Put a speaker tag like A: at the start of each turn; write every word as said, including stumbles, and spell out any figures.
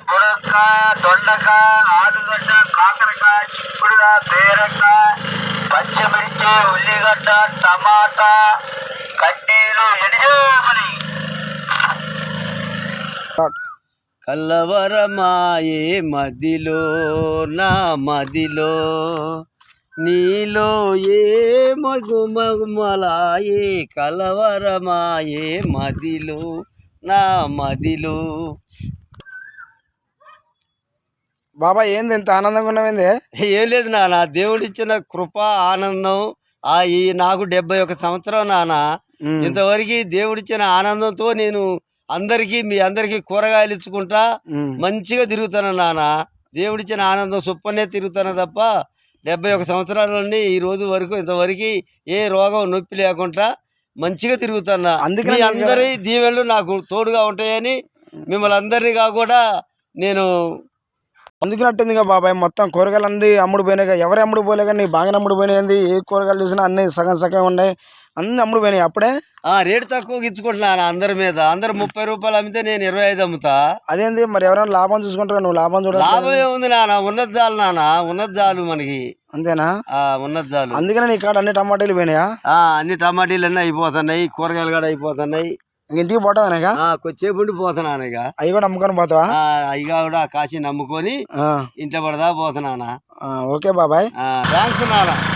A: మునక్కాయ, దొండకాయ, ఆలుగడ్డ, కాకరకాయ, చిక్కుడుకాయ, బీరకాయ, పచ్చిమిర్చి, ఉల్లిగడ్డ, టమాటా, కడ్డీలు ఎనిజోమని.
B: కలవరమాయే మదిలో నా మదిలో నీలో ఏ మగుమగుమలాయే కలవరమాయే మదిలో నా మదిలో.
C: బాబా ఏంది ఎంత ఆనందంగా ఉన్నావేంది?
B: ఏం లేదు నాన్న, దేవుడిచ్చిన కృప ఆనందం. ఆ ఈ నాకు డెబ్బై ఒక సంవత్సరం నాన్న. ఇంతవరకు దేవుడిచ్చిన ఆనందంతో నేను అందరికి మీ అందరికి కూరగాయలు ఇచ్చుకుంటా మంచిగా తిరుగుతాను నాన్న. దేవుడిచ్చిన ఆనందం చొప్పునే తిరుగుతాను తప్ప డెబ్బై ఒక సంవత్సరాల నుండి ఈ రోజు వరకు ఇంతవరకు ఏ రోగం నొప్పి లేకుండా మంచిగా తిరుగుతున్నా. అందుకని అందరి దీవెనలు నాకు తోడుగా ఉంటాయని మిమ్మల్ని అందరినీ కూడా నేను
C: అందుకున్నట్టుంది బాబాయ్. మొత్తం కూరగాయలు అన్ని అమ్ముడు పోయినాయి. ఎవరు అమ్ముడు పోలే కానీ బాగానే అమ్ముడు పోయినాయి. ఏ కూరగాయలు చూసినా అన్ని సగం సగం ఉన్నాయి, అన్ని అమ్ముడు పోయినాయి. అప్పుడే
B: ఆ రేటు తక్కువ ఇచ్చుకుంటున్నాను అందరి మీద. అందరు ముప్పై రూపాయలు అమ్మితే నేను ఇరవై ఐదు అమ్ముతా.
C: అదేంది మరి ఎవరైనా లాభం చూసుకుంటారా? నువ్వు లాభం చూడ
B: లాభం ఏముంది నాన్న, ఉన్నది చాలు నాన్న, ఉన్నది చాలు మనకి.
C: అంతేనా?
B: ఉన్నది చాలు.
C: అందుకనే నీ కాడ అన్ని టమాటాలు పోయినాయా?
B: అన్ని టమాటీలు అన్నీ అయిపోతున్నాయి, కూరగాయలు కూడా అయిపోతున్నాయి.
C: ఇంటికి పోతావా?
B: కొద్దిసేపు ఉండి పోతున్నాను. ఇక
C: అవి కూడా నమ్ముకొని పోతావా?
B: అవి కూడా కాసి నమ్ముకొని ఇంట్లో పడదా పోతున్నానా.
C: ఓకే బాబాయ్,
B: థ్యాంక్స్ నాన్న.